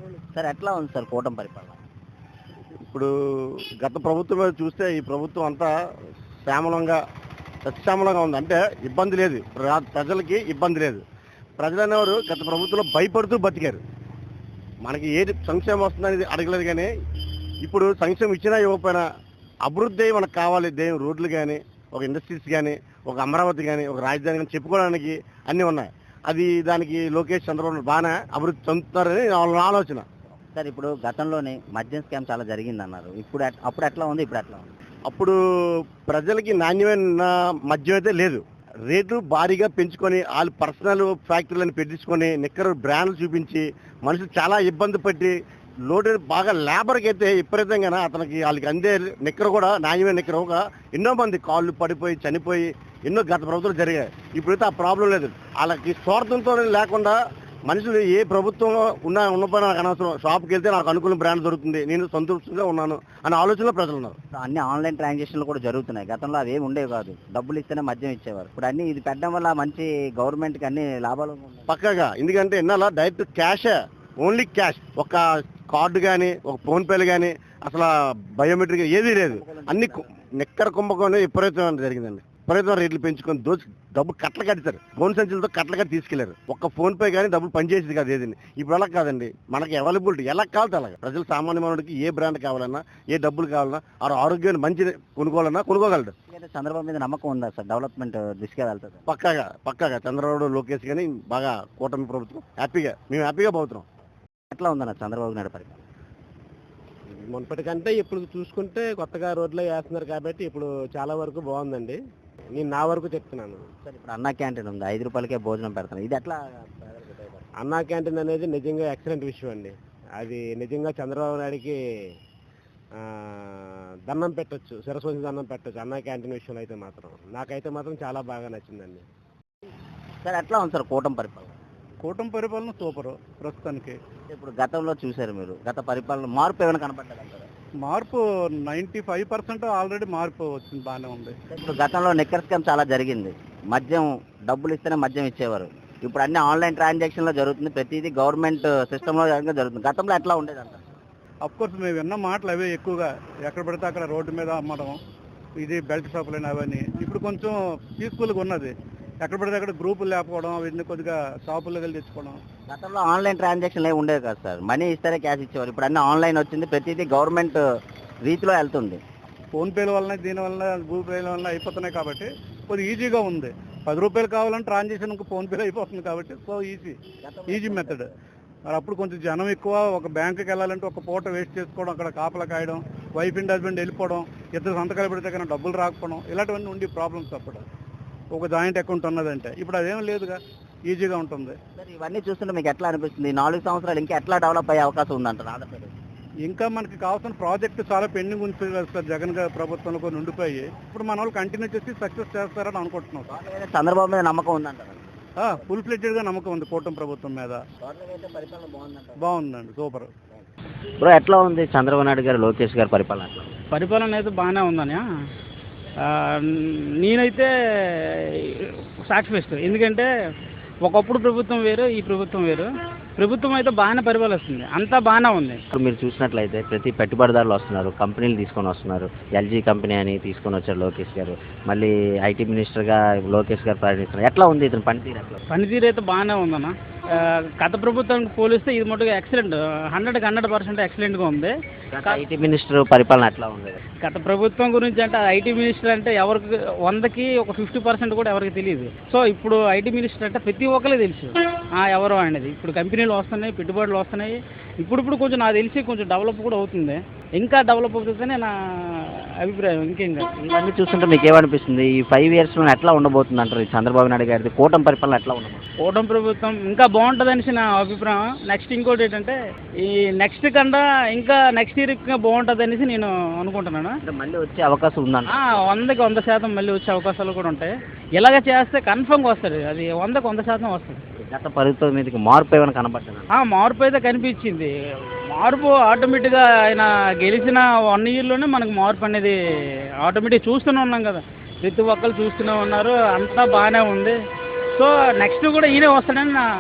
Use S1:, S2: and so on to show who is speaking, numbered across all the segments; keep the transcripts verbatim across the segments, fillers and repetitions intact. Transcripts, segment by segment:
S1: Sir ఎట్లా ఉంది sir కూటమి పరిపాలన?
S2: ఇప్పుడు గత ప్రభుత్వం మీద చూస్తే ఈ ప్రభుత్వం అంతా శ్యామలంగా సత్యామలంగా ఉంది. అంటే ఇబ్బంది లేదు, ప్ర- ప్రజలకి ఇబ్బంది లేదు. ప్రజలు అనేవారు గత ప్రభుత్వంలో భయపడుతూ బతికారు. మనకి ఏది సంక్షేమం వస్తుందనేది అడగలేదు. కానీ ఇప్పుడు సంక్షేమం ఇచ్చినా ఇవ్వకపోయినా అభివృద్ధి మనకు కావాలి. దేని రోడ్లు కానీ, ఒక ఇండస్ట్రీస్ కానీ, ఒక అమరావతి కానీ, ఒక రాజధాని కానీ చెప్పుకోవడానికి అన్నీ ఉన్నాయి. అది దానికి లోకేష్ చంద్రబాబు బాగానే అభివృద్ధి చెందుతున్నారని వాళ్ళ ఆలోచన.
S1: సార్ ఇప్పుడు గతంలోనే మద్యం స్కామ్ చాలా జరిగింది అన్నారు. ఇప్పుడు ఎట్- అప్పుడు ఎట్లా ఉంది, ఇప్పుడు ఎట్లా ఉంది?
S2: అప్పుడు ప్రజలకి నాణ్యమైన మద్యం అయితే లేదు. రేట్లు భారీగా పెంచుకొని వాళ్ళు పర్సనల్ ఫ్యాక్టరీలను పెట్టించుకొని నిక్కర బ్రాండ్లు చూపించి మనుషులు చాలా ఇబ్బంది పట్టి లోటు బాగా లేబర్కి అయితే విపరీతంగా అతనికి వాళ్ళకి అందే నిక్కర కూడా నాణ్యమైన నిక్కర ఒక ఎన్నో మంది కాళ్ళు పడిపోయి చనిపోయి ఎన్నో గత ప్రభుత్వాలు జరిగాయి. ఇప్పుడైతే ఆ ప్రాబ్లం లేదు. వాళ్ళకి స్వార్థంతో లేకుండా మనుషులు ఏ ప్రభుత్వం ఉన్నా ఉన్నపై నాకు అనవసరం, షాప్కి వెళ్తే నాకు అనుకూల బ్రాండ్ దొరుకుతుంది, నేను సంతృప్తిగా ఉన్నాను అనే ఆలోచనలో ప్రజలు ఉన్నారు.
S1: అన్ని ఆన్లైన్ ట్రాన్సాక్షన్లు కూడా జరుగుతున్నాయి. గతంలో అవి ఏమి ఉండేవి కాదు, డబ్బులు ఇస్తేనే మద్యం ఇచ్చేవారు. ఇప్పుడు అన్ని ఇది పెట్టడం వల్ల మంచి గవర్నమెంట్కి అన్ని లాభాలు ఉన్నాయి.
S2: పక్కగా ఎందుకంటే ఎన్నాళ్ళ డైరెక్ట్ క్యాషే, ఓన్లీ క్యాష్. ఒక కార్డు కానీ, ఒక ఫోన్పేలు కానీ, అసలు బయోమెట్రిక్ ఏదీ లేదు. అన్ని కు- నిక్కర కుంభకోణం విపరీతం జరిగిందండి. విపరీతం రేట్లు పెంచుకొని దోచి డబ్బు కట్టలు కట్టారు. ఫోన్ సంచులతో కట్టలు కట్టి తీసుకెళ్లారు. ఒక్క ఫోన్ పే కానీ డబ్బులు పనిచేసేది కాదు ఏదండి. ఇప్పుడు అలా కాదండి, మనకి అవైలబిలిటీ ఎలా కావాలి అలాగే. ప్రజలు సామాన్య మానవుడికి ఏ బ్రాండ్ కావాలన్నా, ఏ డబ్బులు కావాలన్నా, ఆ ఆరోగ్యాన్ని మంచి కొనుక్కోవాలన్నా కొనుక్కోగలడు.
S1: ఎందుకంటే చంద్రబాబు మీద నమ్మకం ఉందా సార్? డెవలప్మెంట్ దిశగా వెళ్తుంది.
S2: పక్కాగా పక్కాగా చంద్రబాబు లోకేష్ కానీ బాగా కూటమి ప్రభుత్వం హ్యాపీగా మేము హ్యాపీగా పోతున్నాం.
S1: ఎట్లా ఉందన్న చంద్రబాబు నాయుడు పరిపాలన?
S2: మునపటికంటే ఇప్పుడు చూసుకుంటే కొత్తగా రోడ్లు వేస్తున్నారు కాబట్టి ఇప్పుడు చాలా వరకు బాగుందండి. నేను నా వరకు చెప్తున్నాను.
S1: సార్ ఇప్పుడు అన్నా క్యాంటీన్ ఉంది, ఐదు రూపాయలకే భోజనం పెడతాను. ఇది ఎట్లా పేదలకు ఉపయోగపడుతుంది?
S2: అన్నా క్యాంటీన్ అనేది నిజంగా ఎక్సలెంట్ విషయం అండి. అది నిజంగా చంద్రబాబు నాయుడికి ఆ, దండం పెట్టొచ్చు, సరస్వతి దండం పెట్టొచ్చు అన్నా క్యాంటీన్ విషయంలో అయితే మాత్రం. నాకైతే మాత్రం చాలా బాగా నచ్చిందండి.
S1: సార్ ఎట్లా ఉంది సార్ కూటమి పరిపాలన?
S3: కూటమి పరిపాలన సూపర్ ప్రస్తుతానికి.
S1: ఇప్పుడు గతంలో చూశారు మీరు, గత పరిపాలన మార్పు ఏమైనా కనపడ్డది అంటారా?
S3: మార్పు నైంటీ ఫైవ్ పర్సెంట్ ఆల్రెడీ మార్పు వచ్చింది, బాగానే ఉంది.
S1: ఇప్పుడు గతంలో నిక్కర్ స్కామ్ చాలా జరిగింది. మద్యం డబ్బులు ఇస్తేనే మద్యం ఇచ్చేవారు. ఇప్పుడు అన్ని ఆన్లైన్ ట్రాన్సాక్షన్లో జరుగుతుంది, ప్రతిదీ గవర్నమెంట్ సిస్టంలో జరుగుతుంది. గతంలో ఎట్లా ఉండేది అంటారు?
S3: అఫ్ కోర్స్ మేము విన్న మాటలు అవే ఎక్కువగా, ఎక్కడ పడితే అక్కడ రోడ్డు మీద అమ్మడం, ఇది బెల్ట్ షాపులు అవన్నీ. ఇప్పుడు కొంచెం పీస్ఫుల్గా ఉన్నది. ఎక్కడ పడితే అక్కడ గ్రూపులు లేకపోవడం, అవన్నీ కొద్దిగా షాపుల్లో వెళ్ళి తెచ్చుకోవడం.
S1: గతంలో ఆన్లైన్ ట్రాన్సాక్షన్లు ఏమి ఉండేవి కాదు సార్, మనీ ఇస్తేనే క్యాష్ ఇచ్చేవారు. ఇప్పుడు అన్ని ఆన్లైన్ వచ్చింది, ప్రతిదీ గవర్నమెంట్ రీతిలో వెళ్తుంది.
S3: ఫోన్పేల వలన, దీని వలన, గూగుల్ పేల వలన అయిపోతున్నాయి కాబట్టి కొద్దిగా ఈజీగా ఉంది. పది రూపాయలు కావాలంటే ట్రాన్సాక్షన్ ఫోన్పేలో అయిపోతుంది కాబట్టి సో ఈజీ ఈజీ మెథడ్. మరి అప్పుడు కొంచెం జనం ఎక్కువ, ఒక బ్యాంకుకి వెళ్ళాలంటే ఒక పూట వేస్ట్ చేసుకోవడం, అక్కడ కాపలా కాయడం, వైఫ్ అండ్ హస్బెండ్ వెళ్ళిపోవడం, ఇద్దరు సంతకాలు పెడితే కానీ డబ్బులు రాకపోవడం, ఇలాంటివన్నీ ఉండి ప్రాబ్లమ్స్ అప్పుడు. ఒక జాయింట్ అకౌంట్ ఉన్నదంటే ఇప్పుడు అదేం లేదుగా, ఈజీగా ఉంటుంది.
S1: సార్ ఇవన్నీ చూస్తుంటే మీకు ఎట్లా అనిపిస్తుంది? ఈ నాలుగు సంవత్సరాలు ఇంకా ఎట్లా డెవలప్ అయ్యే అవకాశం ఉందంటారు ఆంధ్రప్రదేశ్?
S3: ఇంకా మనకి కావాల్సిన ప్రాజెక్టు చాలా పెండింగ్ ఉంది సార్, జగన్ గారి ప్రభుత్వంలో కొన్ని ఉండిపోయి. ఇప్పుడు మన వాళ్ళు కంటిన్యూ చేసి సక్సెస్ చేస్తారని అనుకుంటున్నాం సార్.
S1: వాళ్ళ మీద చంద్రబాబు మీద నమ్మకం ఉందంటారు?
S3: ఫుల్ ఫ్లెడ్జెడ్గా నమ్మకం ఉంది కూటమి ప్రభుత్వం మీద.
S1: పరిపాలన బాగుందంటారు?
S3: బాగుందండి, సూపర్.
S1: బ్రో ఎట్లా ఉంది చంద్రబాబు నాయుడు గారు, లోకేష్ గారి పరిపాలన ఎట్లా ఉంది?
S4: పరిపాలన అయితే బాగానే ఉందని ఆ, నేనైతే సాటిస్ఫైస్ట్. ఎందుకంటే ఒకప్పుడు ప్రభుత్వం వేరు, ఈ ప్రభుత్వం వేరు. ప్రభుత్వం అయితే బాగానే పరిపాలిస్తుంది, అంతా బాగానే ఉంది.
S1: ఇప్పుడు మీరు చూసినట్లయితే ప్రతి పెట్టుబడిదారులు వస్తున్నారు, కంపెనీలు తీసుకొని వస్తున్నారు. ఎల్జీ కంపెనీ అని తీసుకొని వచ్చారు లోకేష్ గారు. మళ్ళీ ఐటీ మినిస్టర్గా లోకేష్ గారు ప్రయాణిస్తున్నారు. ఎట్లా ఉంది ఇతని పనితీరు? ఎట్లా
S4: పనితీరు అయితే బాగానే ఉందన్న. ఆ, గత ప్రభుత్వానికి పోలిస్తే ఇది మటుగా ఎక్సలెంట్, హండ్రెడ్కి హండ్రెడ్ పర్సెంట్ ఎక్సలెంట్గా ఉంది.
S1: ఐటీ మినిస్టర్ పరిపాలన ఎట్లా ఉంది?
S4: గత ప్రభుత్వం గురించి అంటే ఐటీ మినిస్టర్ అంటే ఎవరికి వందకి ఒక ఫిఫ్టీ పర్సెంట్ కూడా ఎవరికి తెలియదు. సో ఇప్పుడు ఐటీ మినిస్టర్ అంటే ప్రతి ఒక్కరికి తెలుసు ఆ ఎవరు అనేది. ఇప్పుడు కంపెనీలు వస్తున్నాయి, పెట్టుబడులు వస్తున్నాయి. ఇప్పుడు ఇప్పుడు కొంచెం నాకు తెలిసి కొంచెం డెవలప్ కూడా అవుతుంది, ఇంకా డెవలప్ అవుతుందనే నా అభిప్రాయం. ఇంకేంగా
S1: ఇవన్నీ చూస్తుంటే మీకు ఏమనిపిస్తుంది? ఈ ఫైవ్ ఇయర్స్లో ఎట్లా ఉండబోతుంది అంటారు ఈ చంద్రబాబు నాయుడు గారిది కూటమి పరిపాలన ఎట్లా ఉండబోతుంది?
S4: కూటమి ప్రభుత్వం ఇంకా బాగుంటుంది అనేసి నా అభిప్రాయం. నెక్స్ట్ ఇంకోటి ఏంటంటే ఈ నెక్స్ట్ కన్నా ఇంకా నెక్స్ట్ ఇయర్ ఇంకా బాగుంటుంది అనేసి నేను అనుకుంటున్నాను.
S1: అంటే మళ్ళీ వచ్చే అవకాశం ఉందంట?
S4: ఆ, వందకి వంద శాతం మళ్ళీ వచ్చే అవకాశాలు కూడా ఉంటాయి. ఇలాగ చేస్తే కన్ఫర్మ్గా వస్తుంది, అది వందకి వంద శాతం వస్తుంది.
S1: గత ప్రభుత్వం మీదకి మార్పు ఏమైనా కనబడుతుంది?
S4: ఆ, మార్పు అయితే కనిపించింది. మార్పు ఆటోమేటిక్గా ఆయన గెలిచిన వన్ ఇయర్లోనే మనకు మార్పు అనేది ఆటోమేటిక్ చూస్తూనే ఉన్నాం కదా, ప్రతి ఒక్కరు చూస్తూనే ఉన్నారు, అంతా బాగానే ఉంది. సో నెక్స్ట్ కూడా ఈయనే వస్తాడని నా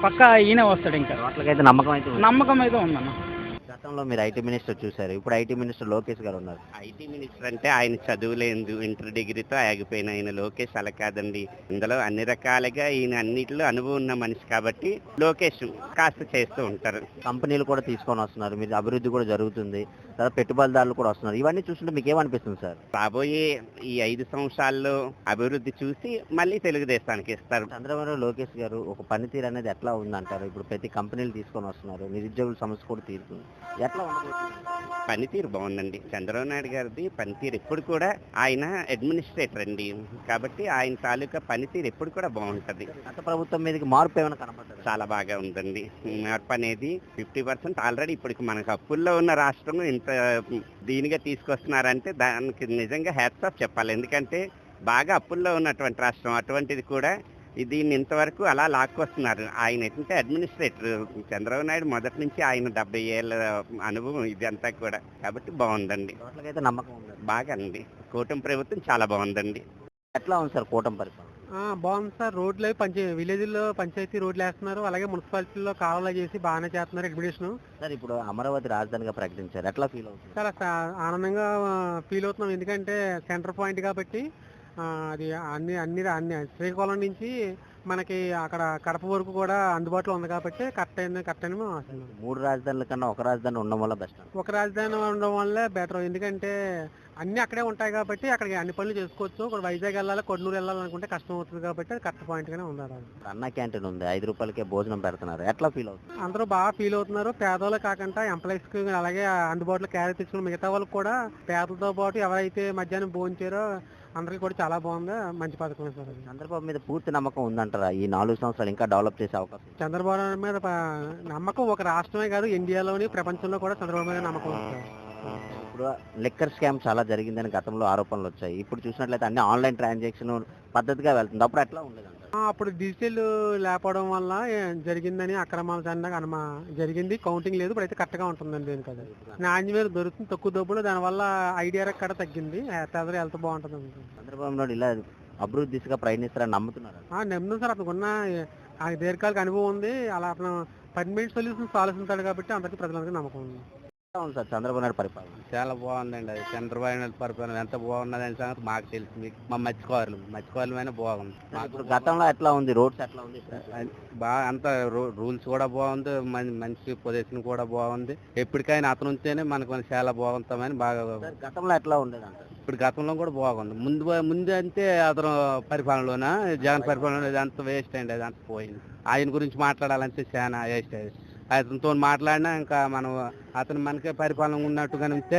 S4: పక్కా ఈయనే వస్తాడు. ఇంకా
S1: వాటికైతే నమ్మకం అయితే ఉంది.
S4: నమ్మకం అయితే ఉందన్న.
S1: గతంలో మీరు ఐటీ మినిస్టర్ చూశారు, ఇప్పుడు ఐటీ మినిస్టర్ లోకేష్ గారు ఉన్నారు.
S5: ఐటీ మినిస్టర్ అంటే ఆయన చదువులేదు, ఇంటర్ డిగ్రీతో ఆగిపోయిన ఆయన లోకేష్ అలా కాదండి. ఇందులో అన్ని రకాలుగా ఈయన అన్నిటిలో అనుభవం ఉన్న మనిషి కాబట్టి లోకేష్ కాస్త చేస్తూ ఉంటారు.
S1: కంపెనీలు కూడా తీసుకొని వస్తున్నారు, మీరు అభివృద్ధి కూడా జరుగుతుంది, తర్వాత పెట్టుబడిదారులు కూడా వస్తున్నారు. ఇవన్నీ చూస్తుంటే మీకు ఏమనిపిస్తుంది సార్?
S5: రాబోయే ఈ ఐదు సంవత్సరాల్లో అభివృద్ధి చూసి మళ్ళీ తెలుగుదేశానికి ఇస్తారు.
S1: చంద్రబాబు లోకేష్ గారు ఒక పనితీరు అనేది ఎట్లా ఉందంటారు? ఇప్పుడు ప్రతి కంపెనీలు తీసుకొని వస్తున్నారు, నిరుద్యోగుల సమస్య కూడా తీరుతుంది, ఎట్లా ఉండబోతుంది?
S5: పనితీరు బాగుందండి. చంద్రబాబు నాయుడు గారిది పనితీరు ఎప్పుడు కూడా, ఆయన అడ్మినిస్ట్రేటర్ అండి కాబట్టి ఆయన తాలూకా పనితీరు ఎప్పుడు కూడా బాగుంటది.
S1: గత ప్రభుత్వం మీదకి మార్పు ఏమైనా కనబడుతుంది?
S5: చాలా బాగా ఉందండి మార్పు అనేది. ఫిఫ్టీ పర్సెంట్ ఆల్రెడీ ఇప్పటికి మనకు అప్పుల్లో ఉన్న రాష్ట్రం ఇంత దీనిగా తీసుకొస్తున్నారంటే దానికి నిజంగా హ్యాట్స్ ఆఫ్ చెప్పాలి. ఎందుకంటే బాగా అప్పుల్లో ఉన్నటువంటి రాష్ట్రం అటువంటిది కూడా దీన్ని ఇంతవరకు అలా లాక్కొస్తున్నారు. ఆయన ఏంటంటే అడ్మినిస్ట్రేటర్ చంద్రబాబు నాయుడు మొదటి నుంచి ఆయన డెబ్బై ఏళ్ళ అనుభవం ఇదంతా కూడా, కాబట్టి బాగుందండి.
S1: అయితే నమ్మకం ఉంది.
S5: బాగా అండి, కూటమి ప్రభుత్వం చాలా బాగుందండి.
S1: ఎట్లా ఉంది సార్ కూటమి పరిపాలన?
S6: బాగుంది సార్. రోడ్లు అవి పంచ విలేజ్లో పంచాయతీ రోడ్లు వేస్తున్నారు, అలాగే మున్సిపాలిటీలో కాలువలు చేసి బాగానే చేస్తున్నారు అడ్మినిస్ట్రేషన్.
S1: సార్ ఇప్పుడు అమరావతి రాజధానిగా ప్రకటించారు, ఎట్లా ఫీల్ అవుతుంది?
S6: చాలా సా- ఆనందంగా ఫీల్ అవుతున్నాం, ఎందుకంటే సెంటర్ పాయింట్ కాబట్టి. ఆ, అది అన్ని అన్ని అన్ని శ్రీకాకుళం నుంచి మనకి అక్కడ కడప వరకు కూడా అందుబాటులో ఉంది కాబట్టి కరెక్ట్ అయింది కరెక్ట్ అని మేము ఆశిస్తున్నాం.
S1: మూడు రాజధానుల కన్నా ఒక రాజధాని ఉండడం వల్ల బెస్ట్.
S6: ఒక రాజధాని ఉండడం వల్లే బెటర్, ఎందుకంటే అన్ని అక్కడే ఉంటాయి కాబట్టి అక్కడికి అన్ని పనులు చేసుకోవచ్చు. ఇప్పుడు వైజాగ్ వెళ్ళాలి, కొన్నూరు వెళ్ళాలనుకుంటే కష్టం అవుతుంది కాబట్టి అది కరెక్ట్ పాయింట్ గానే ఉన్నారు.
S1: అన్న క్యాంటీన్ ఉంది, ఐదు రూపాయలకే భోజనం పెడుతున్నారు, ఎట్లా ఫీల్ అవుతుంది?
S6: అందరూ బాగా ఫీల్ అవుతున్నారు. పేదవాళ్ళు కాకుండా ఎంప్లాయీస్ కి అలాగే అందుబాటులో క్యారీ తెచ్చుకున్న మిగతా వాళ్ళకి కూడా పేదలతో పాటు ఎవరైతే మధ్యాహ్నం భోంచారో అందరికి కూడా చాలా బాగుంది, మంచి పథకం సార్ అది.
S1: చంద్రబాబు మీద పూర్తి నమ్మకం ఉందంటారా? ఈ నాలుగు సంవత్సరాలు ఇంకా డెవలప్ చేసే అవకాశం?
S6: చంద్రబాబు నాయుడు మీద ప- నమ్మకం ఒక రాష్ట్రమే కాదు, ఇండియాలోని ప్రపంచంలో కూడా చంద్రబాబు మీద నమ్మకం ఉంది సార్.
S1: ఇప్పుడు లిక్కర్ స్కామ్ చాలా జరిగిందని గతంలో ఆరోపణలు వచ్చాయి, ఇప్పుడు చూసినట్లయితే అన్ని ఆన్లైన్ ట్రాన్సాక్షన్ పద్ధతిగా వెళ్తుంది, అప్పుడు ఎట్లా ఉండేది?
S6: ఆ, అప్పుడు డిజిటల్ లేకపోవడం వల్ల ఏ, జరిగిందని అక్రమాల చందాగా అనుమా జరిగింది, కౌంటింగ్ లేదు. ఇప్పుడైతే కరెక్ట్ గా ఉంటుందండి దీనికి. అది నాణ్యమైన దొరుకుతుంది తక్కువ డబ్బులు, దానివల్ల ఐడియా కూడా తగ్గింది, పేదలు హెల్త్ బాగుంటుంది అనుకుంటుంది.
S1: చంద్రబాబు నాయుడు ఇలా అభివృద్ధి దిశగా ప్రయత్నిస్తారని నమ్ముతున్నారు?
S6: నమ్ముతుంది సార్, అతనుకున్న ఆ దీర్ఘకాలిక అనుభవం ఉంది, అలా అతను పర్మనెంట్ సొల్యూషన్స్ ఆలోచిస్తాడు కాబట్టి అందరికీ ప్రజలందరికీ నమ్మకం ఉంది.
S1: అవును సార్, చంద్రబాబు నాయుడు పరిపాలన
S7: చాలా బాగుందండి. అది చంద్రబాబు నాయుడు పరిపాలన ఎంత బాగున్నది అనే సంగతి మాకు తెలుసు, మీకు మా మత్స్యకారులు మత్స్యకారులమైన బాగుంది.
S1: ఇప్పుడు గతంలో ఎట్లా ఉంది, రోడ్స్ ఎట్లా ఉంది?
S7: బాగా అంత రూల్స్ కూడా బాగుంది, మం- మనిషి పొజిషన్ కూడా బాగుంది. ఎప్పటికైనా అతను ఉంటేనే మనకు చాలా బాగుంటామని బాగా.
S1: సార్, గతంలో ఎట్లా ఉండేది అంటారు?
S7: ఇప్పుడు గతంలో కూడా బాగుంది. ముందు ముందు అంటే అతను పరిపాలనలోన జగన్ పరిపాలన ఇదంతా వేస్ట్ అయింది, అదంతా పోయింది. ఆయన గురించి మాట్లాడాలంటే చాలా వేస్ట్ అయ్యింది. అతనితో మాట్లాడినా ఇంకా మనం అతను మనకే పరిపాలన ఉన్నట్టుగానే ఉంటే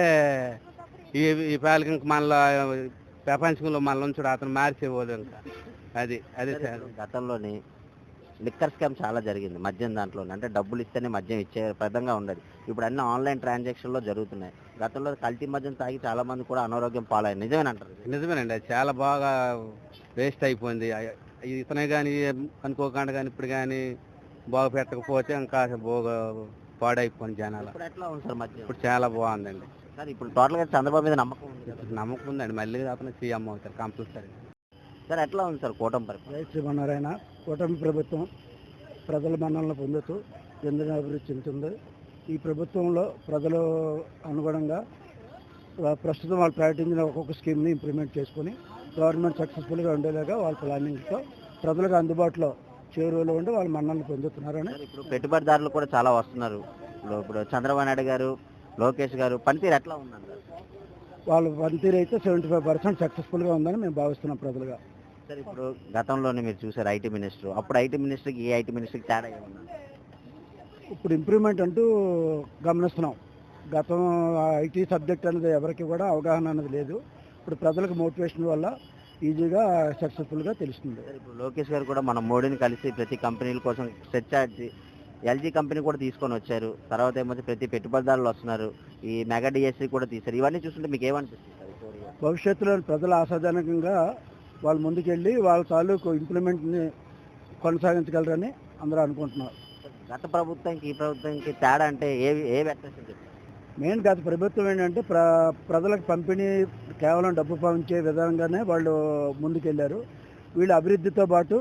S7: ఈ ఈ పాలకి ఇంకా మళ్ళీ ప్రపంచంలో మళ్ళీ ఉంచుడు అతను మార్చేపోదు ఇంకా. అది అదే సార్.
S1: గతంలోని లిక్కర్ స్కామ్ చాలా జరిగింది మద్యం దాంట్లో, అంటే డబ్బులు ఇస్తేనే మద్యం ఇచ్చే పదంగా ఉండదు. ఇప్పుడు అన్ని ఆన్లైన్ ట్రాన్సాక్షన్లో జరుగుతున్నాయి. గతంలో కల్తీ మద్యం తాగి చాలా మంది కూడా అనారోగ్యం పాలయ్యారు, నిజమేనంటారు?
S7: నిజమేనండి, అది చాలా బాగా వేస్ట్ అయిపోయింది. ఇతనే కానీ అనుకోకుండా కానీ ఇప్పుడు కానీ బాగు పెట్టకపోతే ఇంకా బాగా పాడైపోయింది జనాలు.
S1: ఇప్పుడు ఎట్లా ఉంది సార్ మద్యం?
S7: ఇప్పుడు చాలా బాగుందండి
S1: సార్, ఇప్పుడు టోటల్గా చంద్రబాబు మీద నమ్మకం ఉంది కదా?
S7: నమ్మకం ఉందండి, మళ్ళీ అతను సీఎం అవుతారు కంపల్సరీ.
S1: సార్, ఎట్లా ఉంది సార్ కూటమి పరిపాలన?
S3: శ్రీమన్నారాయణ కూటమి ప్రభుత్వం ప్రజల మన్ననలు పొందుతూ ఎందుకు అభివృద్ధి చెందుతుంది. ఈ ప్రభుత్వంలో ప్రజలు అనుగుణంగా వా- ప్రస్తుతం వాళ్ళు ప్రకటించిన ఒక్కొక్క స్కీమ్ని ఇంప్లిమెంట్ చేసుకొని గవర్నమెంట్ సక్సెస్ఫుల్గా ఉండేలాగా వాళ్ళ ప్లానింగ్తో ప్రజలకు అందుబాటులో చేరువలో ఉండి వాళ్ళు మన్ననలు పొందుతున్నారని.
S1: సార్, ఇప్పుడు పెట్టుబడిదారులు కూడా చాలా వస్తున్నారు. ఇప్పుడు ఇప్పుడు చంద్రబాబు నాయుడు గారు, లోకేష్ గారు పనితీరు ఎట్లా ఉందంటారు?
S3: వాళ్ళ పనితీరు అయితే సెవెంటీ ఫైవ్ పర్సెంట్ సక్సెస్ఫుల్గా ఉందని మేము భావిస్తున్నాం ప్రజలుగా.
S1: సార్, ఇప్పుడు గతంలోనే మీరు చూసారు ఐటీ మినిస్టర్, అప్పుడు ఐటీ మినిస్టర్కి ఈ ఐటీ మినిస్టర్కి తేడా ఏమన్నా?
S3: ఇప్పుడు ఇంప్రూవ్మెంట్ అంటూ గమనిస్తున్నాం. గతం ఐటీ సబ్జెక్ట్ అనేది ఎవరికి కూడా అవగాహన అనేది లేదు. ఇప్పుడు ప్రజలకు మోటివేషన్ వల్ల ఈజీగా సక్సెస్ఫుల్గా తెలుస్తుంది.
S1: సార్, ఇప్పుడు లోకేష్ గారు కూడా మన మోడీని కలిసి ప్రతి కంపెనీల కోసం సెర్చ్ చేసి ఎల్జీ కంపెనీ కూడా తీసుకొని వచ్చారు. తర్వాత ఏమో ప్రతి పెట్టుబడిదారులు వస్తున్నారు, ఈ మెగా డిఎస్సీ కూడా తీశారు. ఇవన్నీ చూస్తుంటే మీకు ఏమనిపిస్తుంది సార్? ఈ story?
S3: భవిష్యత్తులో ప్రజలు ఆశాజనకంగా వాళ్ళు ముందుకెళ్ళి వాళ్ళ తాలూకు ఇంప్లిమెంట్ని కొనసాగించగలరని అందరూ అనుకుంటున్నారు.
S1: గత ప్రభుత్వానికి ఈ ప్రభుత్వానికి తేడా అంటే ఏ ఏ వ్యత్యాసం చెప్తారు?
S3: మెయిన్ గత ప్రభుత్వం ఏంటంటే ప్ర ప్రజలకు పంపిణీ కేవలం డబ్బు పంచే విధంగానే వాళ్ళు ముందుకెళ్ళారు. వీళ్ళు అభివృద్ధితో పాటు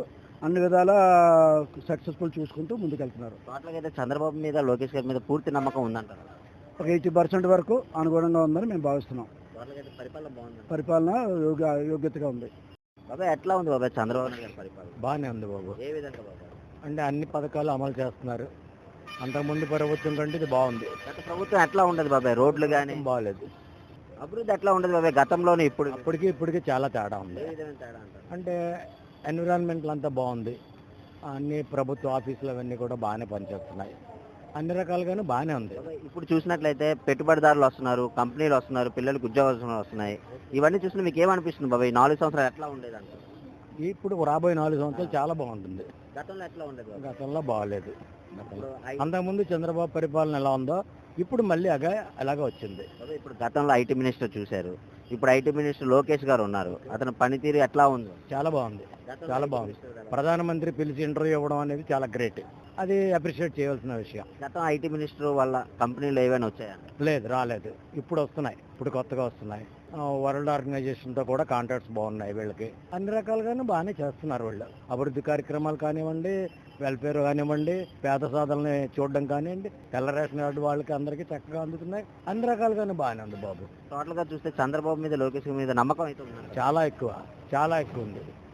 S3: అన్ని విధాల సక్సెస్ఫుల్ చూసుకుంటూ ముందుకెళ్తున్నారు.
S1: టోటల్గా అయితే చంద్రబాబు మీద లోకేష్ గారి మీద పూర్తి నమ్మకం ఉందంటారు.
S3: ఒక ఎయిటీ పర్సెంట్ వరకు అనుగుణంగా ఉందని మేము భావిస్తున్నాం.
S1: టోటల్గా అయితే పరిపాలన బాగుంది.
S3: పరిపాలన యోగ్య యోగ్యతగా ఉంది.
S1: బాబాయ్ ఎట్లా ఉంది బాబాయ్ చంద్రబాబు నాయుడు గారి పరిపాలన?
S3: బాగానే ఉంది బాబు.
S1: ఏ విధంగా బాబాయ్?
S3: అంటే అన్ని పథకాలు అమలు చేస్తున్నారు. అంతకుముందు ప్రభుత్వం కంటే ఇది బాగుంది.
S1: గత ప్రభుత్వం ఎట్లా ఉండదు బాబాయ్? రోడ్లు కానీ
S3: బాగాలేదు.
S1: అభివృద్ధి ఎట్లా ఉండదు బాబాయ్ గతంలోనే ఇప్పుడు?
S3: అప్పటికి ఇప్పటికి చాలా తేడా ఉంది.
S1: ఏ విధమైన తేడా అంటారు?
S3: అంటే ఎన్విరాన్మెంట్లు అంతా బాగుంది. అన్ని ప్రభుత్వ ఆఫీసులు అవన్నీ కూడా బాగానే పనిచేస్తున్నాయి. అన్ని రకాలుగాను బాగానే ఉంది.
S1: బాబాయ్ ఇప్పుడు చూసినట్లయితే పెట్టుబడిదారులు వస్తున్నారు, కంపెనీలు వస్తున్నారు, పిల్లలకు ఉద్యోగాలు వస్తున్నాయి. ఇవన్నీ చూసిన మీకు ఏమనిపిస్తుంది బాబాయ్? ఈ నాలుగు సంవత్సరాలు ఎట్లా ఉండేది అంటారు?
S3: ఇప్పుడు రాబోయే నాలుగు సంవత్సరాలు చాలా బాగుంటుంది.
S1: గతంలో ఎట్లా ఉండేది బాబాయ్?
S3: గతంలో బాగాలేదు.
S1: ఇప్పుడు ఐ-
S3: అంతకుముందు చంద్రబాబు పరిపాలన ఎలా ఉందో ఇప్పుడు మళ్ళీ అగా అలాగే వచ్చింది.
S1: బాబాయ్ ఇప్పుడు గతంలో ఐటీ మినిస్టర్ చూశారు, ఇప్పుడు ఐటీ మినిస్టర్ లోకేష్ గారు ఉన్నారు. అతని పనితీరు ఎట్లా ఉంది?
S3: చాలా బాగుంది.
S1: గతంలో
S3: చాలా
S1: ఐటీ
S3: బాగుంది.
S1: మినిస్టర్ గారు.
S3: ప్రధానమంత్రి పిలిచి ఇంటర్వ్యూ ఇవ్వడం అనేది చాలా గ్రేట్. అది అప్రిషియేట్ చేయవలసిన విషయం.
S1: గతం ఐటీ మినిస్టర్ వల్ల కంపెనీలు ఏవైనా వచ్చాయా?
S3: లేదు, రాలేదు. ఇప్పుడు వస్తున్నాయి. ఇప్పుడు కొత్తగా వస్తున్నాయి. వరల్డ్ ఆర్గనైజేషన్తో కూడా కాంట్రాక్ట్స్ బాగున్నాయి వీళ్ళకి. అన్ని రకాలుగాను బాగానే చేస్తున్నారు వీళ్ళు. అభివృద్ధి కార్యక్రమాలు కానివ్వండి, వెల్ఫేర్ కానివ్వండి, పేద సాధనని చూడడం కానివ్వండి, తెల్ల రేషన్ కార్డు వాళ్ళకి అందరికీ చక్కగా అందుతున్నాయి. అన్ని రకాలుగాను బాగానే ఉంది బాబు.
S1: టోటల్ గా చూస్తే చంద్రబాబు మీద లోకేష్ మీద నమ్మకం అయితే ఉంది.
S3: చాలా ఎక్కువ చాలా ఎక్కువ ఉంది.